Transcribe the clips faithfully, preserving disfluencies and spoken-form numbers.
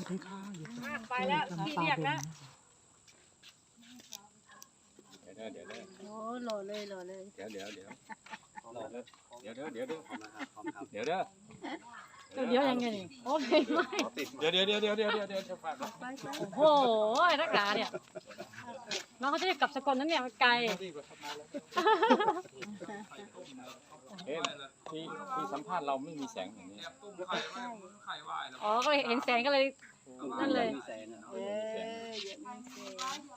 ดีค่ะอยู่ไปแล้วพี่เรียกนะเดี๋ยวเดี๋ยวเดี๋ยวโอ้หล่อเลยหล่อเลยเดี๋ยวเดี๋ยวเดี๋ยวเดี๋ยวเดี๋ยวเดี๋ยวเดี๋ยวเดี๋ยวเดี๋ยวเดี๋ยวยังไงนี่โอ้ไม่ไม่เดี๋ยวเดี๋ยวเดี๋ยวเดี๋ยวเดี๋ยวเดี๋ยวเดี๋ยวจะฝากโอ้โหนักหนาเนี่ยน้องเขาจะได้กลับสกลนั้นเนี่ยไกลเอ๊ะที่ที่สัมภาษณ์เราไม่มีแสงอย่างนี้อ๋อก็เลยเห็นแสงก็เลยนั่นเลยเออเยอะมากเลย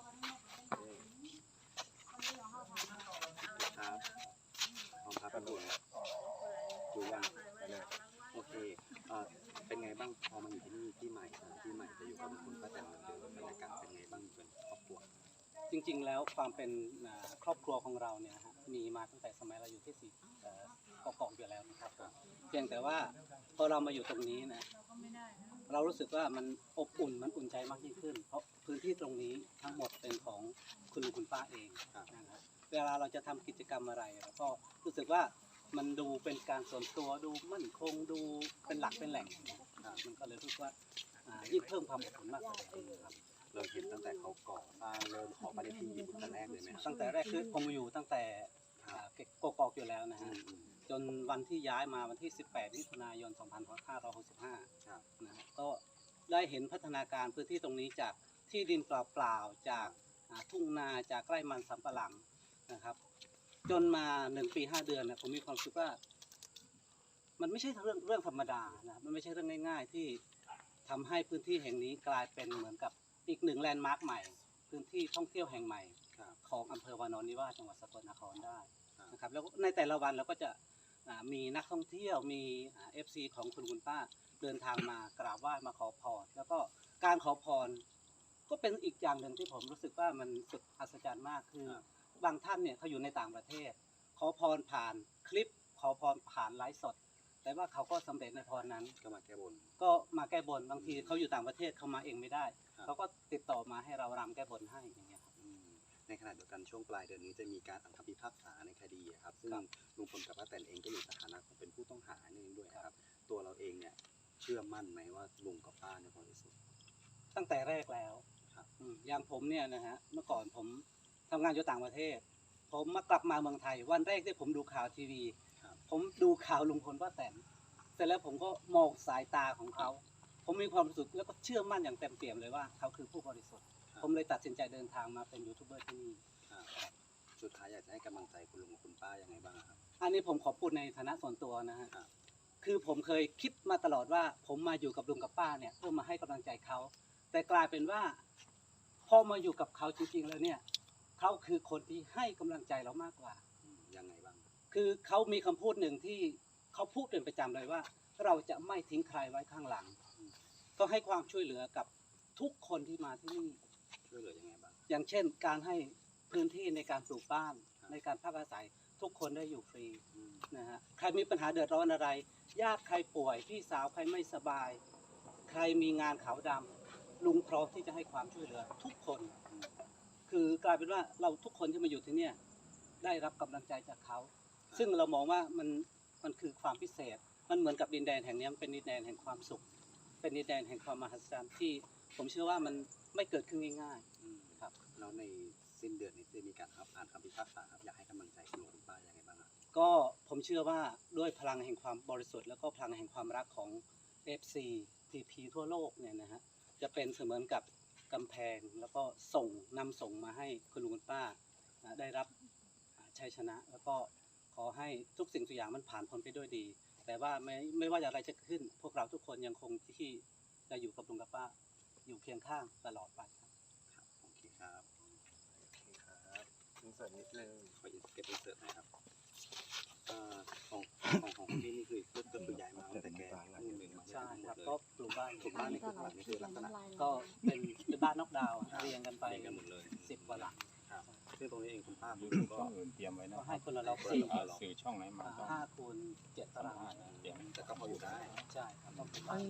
ครับพร้อมครับดูดูยังโอเคเอ่อเป็นไงบ้างพอมาอยู่ที่นี่ที่ใหม่ที่ใหม่จะอยู่กับคุณป้าแตนเหมือนเดิมบรรยากาศเป็นไงบ้างเป็นครอบครัวจริงๆ แล้วความเป็นครอบครัวของเราเนี่ยฮะมีมาตั้งแต่สมัยเราอยู่ที่สี่กอกองอยู่แล้วนะครับเพียงแต่ว่าพอเรามาอยู่ตรงนี้นะเรารู้สึกว่ามันอบอุ่นมันอุ่นใจมากยิ่งขึ้น เพราะพื้นที่ตรงนี้ทั้งหมดเป็นของคุณลุงคุณป้าเองนะครับเวลาเราจะทำกิจกรรมอะไรเราก็รู้สึกว่ามันดูเป็นการส่วนตัวดูมั่นคงดูเป็นหลักเป็นแหล่งมันก็เลยรู้สึกว่ายิ่งเพิ่มความอบอุ่นมากกว่าเดิมครับเราเห็นตั้งแต่เขาก่อสร้างเริ่มขอปฏิทินอยู่ตั้งแต่แรกเลยไหมครับตั้งแต่แรกคือผมอยู่ตั้งแต่กกอกอยู่แล้วนะฮะจนวันที่ย้ายมาวันที่สิบแปดมิถุนายนสองพันห้าร้อยหกสิบห้านะฮะก็ได้เห็นพัฒนาการพื้นที่ตรงนี้จากที่ดินเปล่าๆจากทุ่งนาจากไร่มันสำปะหลังนะครับจนมาหนึ่งปีห้าเดือนเนี่ยผมมีความรู้สึกว่ามันไม่ใช่เรื่องเรื่องธรรมดานะมันไม่ใช่เรื่องง่ายๆที่ทำให้พื้นที่แห่งนี้กลายเป็นเหมือนกับอีกหนึ่งแลนด์มาร์คใหม่พื้นที่ท่องเที่ยวแห่งใหม่ของอำเภอวานอนนิวาสจังหวัดสกลนครได้นะครับแล้วในแต่ละวันเราก็จะมีนักท่องเที่ยวมีเอฟซีของคุณคุณป้าเดินทางมากราบไหว้มาขอพรแล้วก็การขอพรก็เป็นอีกอย่างหนึ่งที่ผมรู้สึกว่ามันสุดอัศจรรย์มากคือบางท่านเนี่ยเขาอยู่ในต่างประเทศขอพรผ่านคลิปขอพรผ่านไลฟ์สดแต่ว่าเขาก็สำเร็จในพรนั้นก็มาแก้บนก็มาแก้บนบางทีเขาอยู่ต่างประเทศเขามาเองไม่ได้เขาก็ติดต่อมาให้เรารำแก้บนให้อย่างเงี้ยครับในขณะเดียวกันช่วงปลายเดือนนี้จะมีการอ่านคำพิพากษาในคดีครับซึ่งลุงพลกับป้าแตนเองก็อยู่ในฐานะของเป็นผู้ต้องหาเองด้วยครับตัวเราเองเนี่ยเชื่อมั่นไหมว่าลุงกับป้าเนี่ยบริสุทธิ์ตั้งแต่แรกแล้วครับอย่างผมเนี่ยนะฮะเมื่อก่อนผมทำงานอยู่ต่างประเทศผมมากลับมาเมืองไทยวันแรกที่ผมดูข่าวทีวีผมดูข่าวลุงพลป้าแตนเสร็จแล้วผมก็มองสายตาของเขาผมมีความรู้สึกแล้วก็เชื่อมั่นอย่างเต็มเปี่ยมเลยว่าเขาคือผู้บริสุทธิ์ผมเลยตัดสินใจเดินทางมาเป็นยูทูบเบอร์ที่นี่สุดท้ายอยากจะให้กำลังใจคุณลุงกับคุณป้ายังไงบ้างครับอันนี้ผมขอพูดในฐานะส่วนตัวนะฮะคือผมเคยคิดมาตลอดว่าผมมาอยู่กับลุงกับป้าเนี่ยเพื่อมาให้กำลังใจเขาแต่กลายเป็นว่าพอมาอยู่กับเขาจริงๆแล้วเนี่ยเขาคือคนที่ให้กำลังใจเรามากกว่ายังไงบ้างคือเขามีคำพูดหนึ่งที่เขาพูดเป็นประจำเลยว่าเราจะไม่ทิ้งใครไว้ข้างหลังก็ให้ความช่วยเหลือกับทุกคนที่มาที่นี่ช่วยเหลือยังไงบ้างอย่างเช่นการให้พื้นที่ในการปลูกบ้านในการพักอาศัยทุกคนได้อยู่ฟรีนะฮะใครมีปัญหาเดือดร้อนอะไรญาติใครป่วยพี่สาวใครไม่สบายใครมีงานขาวดำลุงพร้อมที่จะให้ความช่วยเหลือทุกคนคือกลายเป็นว่าเราทุกคนที่มาอยู่ที่เนี่ยได้รับกำลังใจจากเขาซึ่งเรามองว่ามันมันคือความพิเศษมันเหมือนกับดินแดนแห่งนี้มันเป็นดินแดนแห่งความสุขเป็นดินแดนแห่งความมหัศจรรย์ที่ผมเชื่อว่ามันไม่เกิดขึ้นง่ายๆครับแล้วในสิ้นเดือนนี้จะมีการอ่านคำพิพากษาครับอยากให้กำลังใจคุณลุงคุณป้ายังไงบ้างครับก็ผมเชื่อว่าด้วยพลังแห่งความบริสุทธิ์แล้วก็พลังแห่งความรักของ เอฟ ซี ที พี ทั่วโลกเนี่ยนะฮะจะเป็นเสมือนกับกำแพงแล้วก็ส่งนำส่งมาให้คุณลุงคุณป้าได้รับชัยชนะแล้วก็ขอให้ทุกสิ่งทุกอย่างมันผ่านพ้นไปด้วยดีแต่ว่าไม่ไม่ว่าอะไรจะขึ้นพวกเราทุกคนยังคงที่จะอยู่กับลุงกับป้าอยู่เคียงข้างตลอดไปครับโอเคครับโอเคครับอินเสิร์ตนิดนึงขอเก็บอินเสิร์ตนะครับของของของที่นี่คือก็คือใหญ่มากแต่แกใช่ครับก็ปลูกบ้านปลูกบ้านนี่คือนี่คือลักษณะก็เป็นเป็นบ้านนอกดาวเรียงกันไปกันหมดเลยสิบกว่าหลังซึ่งตรงนี้เองคุณป้าคือก็อื่นเตรียมไว้นะให้คนละเราสี่สื่อช่องไหนมาก็ห้าคูณเจ็ดตารางเตรียมแต่ก็พออยู่ได้ใช่ครับต้องเป็นบ้าน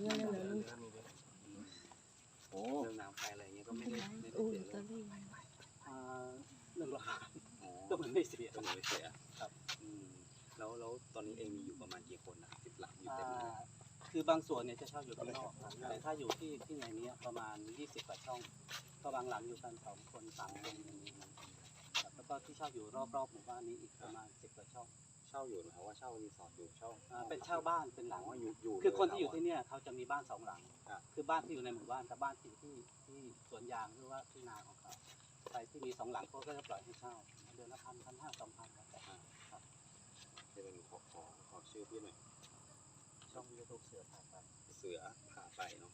โอ้เรื่องน้ำไฟอะไรเงี้ยก็ไม่ได้ไม่ได้เสียเลยเรื่องราคาก็เหมือนไม่เสียก็เหมือนไม่เสียครับแล้วแล้วตอนนี้เองมีอยู่ประมาณกี่คนนะสิบหลังอยู่เต็มเลยคือบางส่วนเนี่ยจะเช่าอยู่ข้างนอกครับแต่ถ้าอยู่ที่ที่ในนี้ประมาณยี่สิบกว่าช่องก็บางหลังอยู่กันสองคนสามคนอย่างนี้ครับแล้วก็ที่เช่าอยู่รอบๆหมู่บ้านนี้อีกประมาณสิบกว่าช่องเช่าอยู่หรือว่าเช่ารีสอร์ทอยู่เช่าอ่าเป็นเช่าบ้านเป็นหลังอ๋ออยู่อยู่คือคนที่อยู่ที่เนี่ยเขาจะมีบ้านสองหลังครับคือบ้านที่อยู่ในหมู่บ้านกับบ้านที่ที่ที่สวนยางหรือว่าที่นาของเขาใครที่มีสองหลังเขาก็จะปล่อยให้เช่าเดือนละพันพันห้าสองพันแล้วแต่ครับจะเป็นขอขอขอชื่อพี่หน่อยช่องยูทูบเสือผ่าไปเสือพาไปเนาะ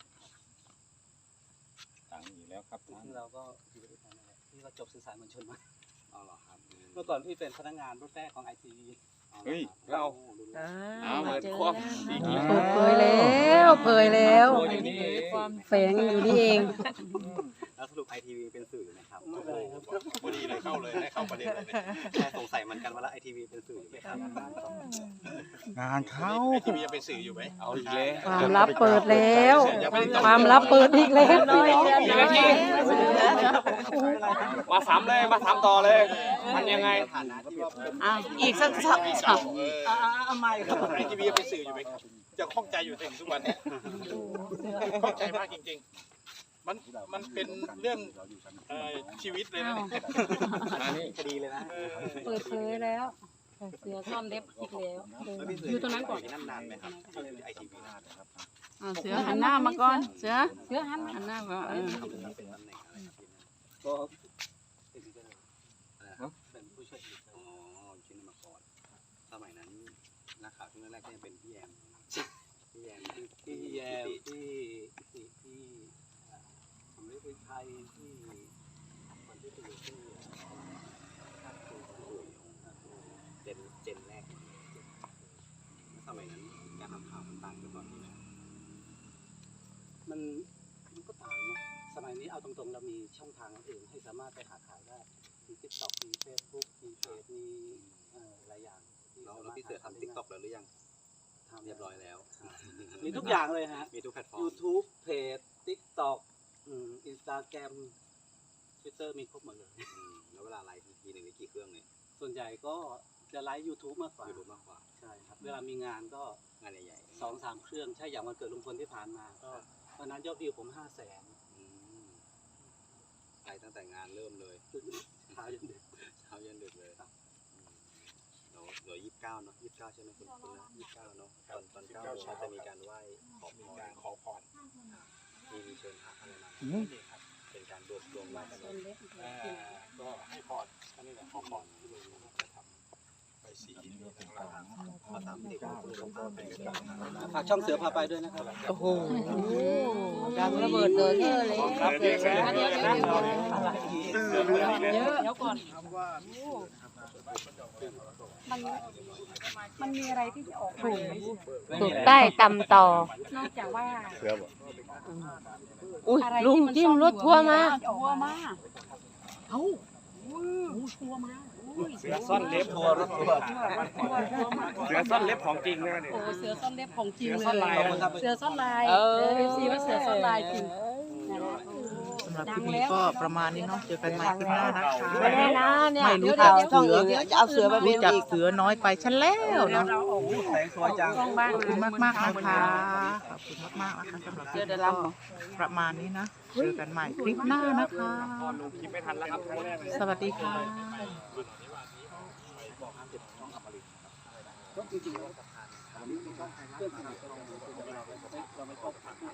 ต่างอยู่แล้วครับจท่านริงๆเราก็อยู่ด้วยกันนั่นแหละพี่ก็จบสื่อสารมวลชนมาอ๋อเหรอครับเมื่อก่อนพี่เป็นพนักงานรุ่นแรกของไอทีวีเฮ้ยเราอ่าเอาเหมือนเจอควบแล้วอีกแล้วเปิดเผยแล้วเผยแล้วโอ้ยนี่เองแฝงอยู่นี่เองแล้วสรุปไอทีวีเป็นสื่อไหมครับไม่เลยครับพอดีเลยเข้าเลยได้เข้าประเด็นเลยแค่สงสัยเหมือนกันว่าแล้วไอทีวีเป็นสื่อไหมครับงานเข้าทีวียังเป็นสื่ออยู่ไหมเอาอีกแล้วความลับเปิดแล้ว ความลับเปิดอีกแล้วพี่น้องกี่นาที มาสามเลย มาสามต่อเลย มันยังไงฐานะที่แบบเป็นอ่ะอีกสักสักเอออ่าเอาไม่ครับไอทีวียังเป็นสื่ออยู่ไหมครับจะข้องใจอยู่ถึงทุกวันเนี้ยข้องใจมากจริงๆ มันมันเป็นเรื่องเอ่อชีวิตเลยนะเนี่ยมานี่คดีเลยนะเปิดเผยแล้วเสือซ่อนเล็บอีกแล้วแล้วพี่เสือยู่ตรงนั้นก่อนยู่นั่นนานไหมครับไอทีวีนานครับอ่ะเสือหันหน้ามาก่อนเสือเสือหันหันหน้ามาเออเป็นตำแหน่งอะไรครับพี่ก็เป็นเดิมเป็นผู้ช่วยอีกอ๋อชื่อมาก่อนสมัยนั้นนักข่าวช่วงแรกๆก็ยังเป็นพี่แยมพี่แยมที่ที่แยมที่ที่ที่สมฤทธิ์ไทยที่คนที่ไปอยู่ที่เจนเจนแรกสมัยนั้นการทำข่าวมันต่างจากตอนนี้นะมันมันก็ต่างนะสมัยนี้เอาตรงๆเรามีช่องทางอื่นให้สามารถไปหาข่าวได้มีทิกตอกมีเฟซบุ๊กมีเพจมีเอ่อหลายอย่างที่แล้วสาแล้วมารถพี่เสือทำติ๊กต็อกแล้วหรือยังทำเรียบร้อยแล้วมีทุกอย่างเลยฮะมีทุกแพลตฟอร์ม YouTube เพจ TikTok อืม Instagram Twitter มีครบหมดเลยอืมแล้วเวลาไลฟ์ทีหนึ่งนี่กี่เครื่องเนี่ยส่วนใหญ่ก็จะไลฟ์ YouTube มากกว่ายูทูบมากกว่าใช่ครับ เวลามีงานก็งานใหญ่สองสามเครื่อง ใช่อย่างวันเกิดลุงพลที่ผ่านมา ก็วันนั้นยอดวิวผมห้าแสนๆอืมไปตั้งแต่งานเริ่มเลยเช้ายันดึกเช้ายันดึกเลยอืมเดี๋ยวเดี๋ยวยี่สิบเก้าเนาะยี่สิบเก้าใช่ไหมคุณคุณนะยี่สิบเก้าเนาะตอนตอนเก้าโมงก็จะมีการไหว้ขอพมีรการขอพรมีมีเชิญพระอะไรมาอืมเป็นการรวมรวมไหว้กันซ่อนเล็บเอ่อก็ให้พรก็นี่แหละขอพรที่เราจะทำไปสีของเราพอสามสิบคุณสมภาพเป็นกันฝากช่องเสือพาไปด้วยนะครับโอ้โหดังระเบิดเตอเทอร์เลยครับเดี๋ยวเดี๋ยวเดี๋ยวเดี๋ยวอะไรอีกเดี๋ยวก่อนมันมันมีอะไรที่จะออกถูกถูกใต้ตำต่อนอกจากว่าอุ้ยอะไรลุงที่มันจิ้มซ่อนรถทัวร์มาทัวร์มาเอ้าทัวร์มาอุ้ยเสือซ่อนเล็บทัวร์รถทัวร์ทัวร์ทัวร์มาเสือซ่อนเล็บของจริงนะเนี่ยโอ้เสือซ่อนเล็บของจริงเลยเสือซ่อนลายนะเสือซ่อนลายเอเอออฟซีว่าเสือซ่อนลายจริงสำหรับคลิปนี้ก็ประมาณนี้เนาะเจอกันใหม่คลิปหน้านะคะไม่ได้นะเนี่ยไม่รู้จักช่องเสืออื่นเนี่ยจะเอาเสือไปเป็รู้นจักอีกเสือน้อยไปฉันแล้วเดี๋ยวเนาะเราออกแสงสวยจังกล้องบ้างขอบคุณมากมากๆนะคะขอบคุณมากๆนะคะสำหรับคลิปนี้ก็ประมาณนี้นะเจอกันใหม่คลิปหน้านะคะลงคลิปไม่ทันแล้วครับครั้งแรกเลยสวัสดีค่ะก็จริงๆเราเพื่อนสนิทเราไม่ชอบ